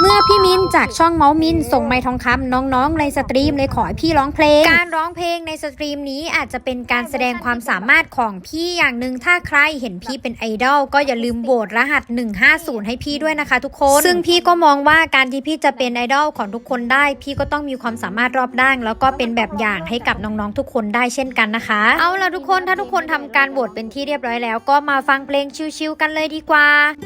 มื่อพี่มินจากช่องเมาส์มินส่งไมค์ทองคำน้องๆในสตรีมเลยขอให้พี่ร้องเพลงการร้องเพลงในสตรีมนี้อาจจะเป็นการแสดงความสามารถของพี่อย่างหนึ่งถ้าใครเห็นพี่เป็นไอดอลก็อย่าลืมโหวตรหัส150ให้พี่ด้วยนะคะทุกคนซึ่งพี่ก็มองว่าการที่พี่จะเป็นไอดอลของทุกคนได้พี่ก็ต้องมีความสามารถรอบด้านแล้วก็เป็นแบบอย่างให้กับน้องๆทุกคนได้เช่นกันนะคะเอาล่ะทุกคนถ้าทุกคนทำการโหวตเป็นที่เรียบร้อยแล้วก็มาฟังเพลงชิลๆกันเลยดีกว่า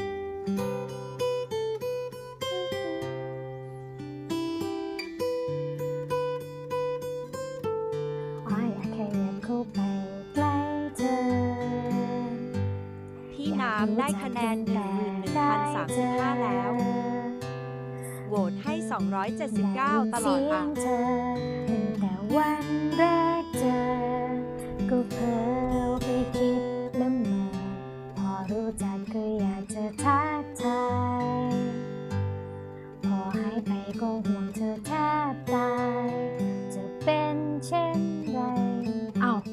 พี่น้ำได้คะแนน 11,035 แล้ว โหวตให้ 279 ตลอดอ่ะแต่วันแรกเจอก็เพ้อไปคิดละเมอพอรู้จักก็อยากจะทักทายพอหายไปก็ห่วงเธอแทบตายจะเป็นเช่นไรเอ้า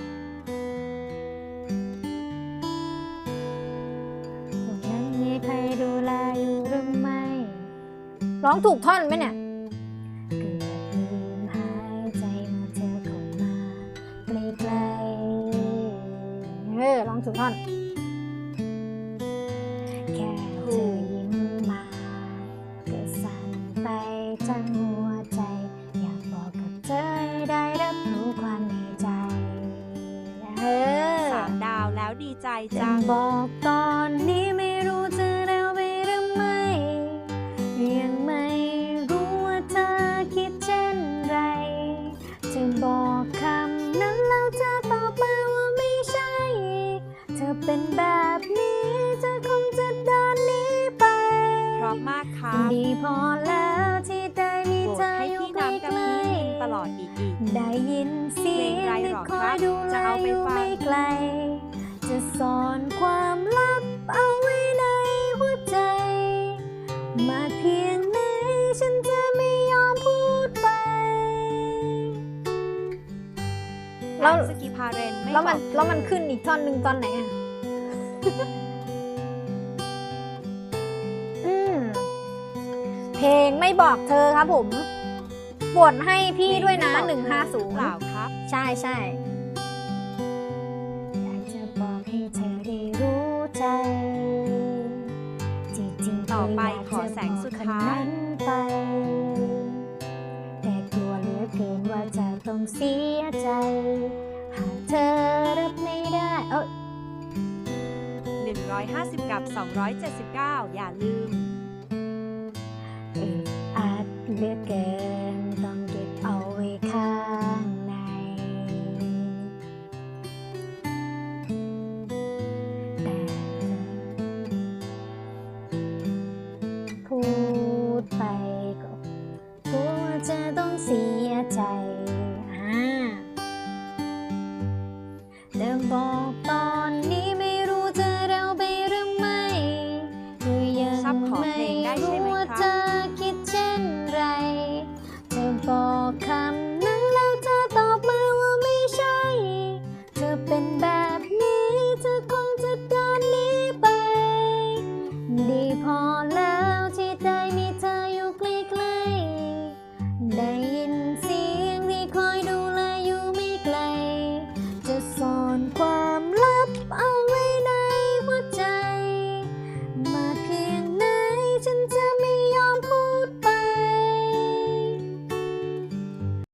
ตรงนั้นมีใครดูแลอยู่หรือไม่ร้องถูกท่อนไหมเนี่ยเกือบลืมหายใจเมื่อเธอเข้ามาใกล้ๆร้องถูกท่อนแค่เธอยิ้มมาก็สั่นไปทั้งหัวใจอยากบอกกับเธอให้ได้รับรู้ความในใจ 3 ดาวแล้วดีใจจังบอกตอนนี้ไม่รู้จะเร็วไปหรือไม่ยังไม่รู้ว่าเธอคิดเช่นไรจะบอกคำนั้นแล้วเธอตอบมาว่าไม่ใช่เธอเป็นแบบนี้เธอคงจะเดินหนีไปเพราะมากค่ะดีพอแล้วที่ได้มีเธออยู่ใกล้ๆตลอดอีกได้ยินเสียงที่คอยดูแลอยู่ไม่ไกลจะซ่อนความลับเอาไว้ในหัวใจมาเพียงไหนฉันจะไม่ยอมพูดไปแล้วสกิพาเรนไม่แล้วมันขึ้นอีกท่อนหนึ่งตอนไหนอ่ะ เพลงไม่บอกเธอครับผมโหวตให้พี่ด้วยนะ150 เปล่าครับใช่อยากจะบอกให้เธอได้รู้ใจจริงๆต่อไปขอแสงสุดท้ายไปแต่กลัวเหลือเกินว่าจะต้องเสียใจหากเธอรับไม่ได้ 150 กับ 279 อย่าลืมอาจเหลือเกินต้องเก็บเอาไว้ข้างในแต่พูดไปก็กลัวจะต้องเสียใจ